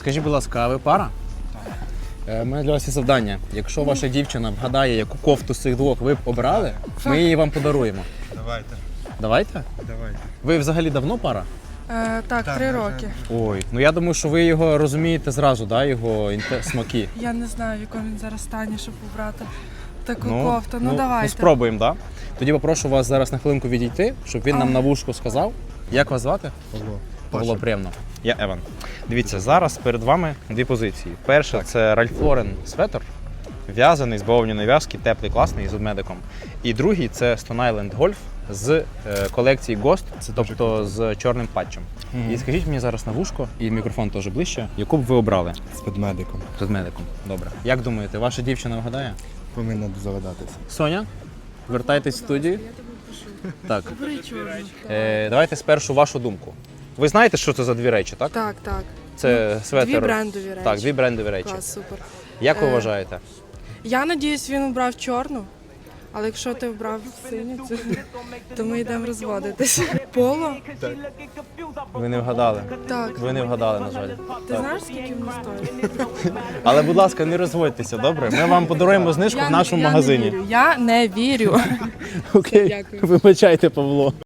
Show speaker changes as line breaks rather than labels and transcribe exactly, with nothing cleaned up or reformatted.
Скажіть, будь ласка, а ви пара? Так. У мене для вас є завдання. Якщо ваша дівчина вгадає, яку кофту з цих двох ви б обрали, ми її вам подаруємо.
Давайте.
Давайте?
Давайте.
Ви взагалі давно пара?
Е, так,
Так,
три
на жаль.
роки.
Ой, ну я думаю, що ви його розумієте зразу, да, його інте- смаки.
Я не знаю, в якому він зараз стані, щоб обрати таку
Ну,
кофту. Ну,
ну
давайте.
спробуємо, так? Да? Тоді попрошу вас зараз на хвилинку відійти, щоб він нам на вушку сказав. Як вас звати?
Павло.
Було приємно. Я Еван. Дивіться, зараз перед вами дві позиції. Перша це Ральф Лорен светр, в'язаний з бавовняної в'язки, теплий, класний, з медиком. І другий це Stone Island Golf з е, колекції Ghost, це тобто з чорним патчем.
Мгм.
І скажіть мені зараз на вушко, і мікрофон теж ближче, яку б ви обрали
З ведмедиком.
з медиком? Добре. Як думаєте, ваша дівчина вгадає?
Повинна здогадатися.
Соня, вертайтесь в студію. Так.
Бери чорну.
Е, давайте спершу вашу думку. Ви знаєте, що це за дві речі, так?
Так, так.
Це светр.
Дві брендові речі.
Так, дві брендові речі.
Клас, супер.
Як ви
Е,
вважаєте?
Я надіюсь, він обрав чорну, але якщо ти обрав синю, це- то ми йдемо розводитися. Поло?
Ви не вгадали.
Так.
Ви не вгадали, на жаль.
Ти знаєш, скільки воно стоїть?
Але, будь ласка, не розводьтеся, добре? Ми вам подаруємо знижку в нашому
я
магазині.
Не вірю. Я не вірю.
Окей.
Дякую.
Вибачайте, Павло.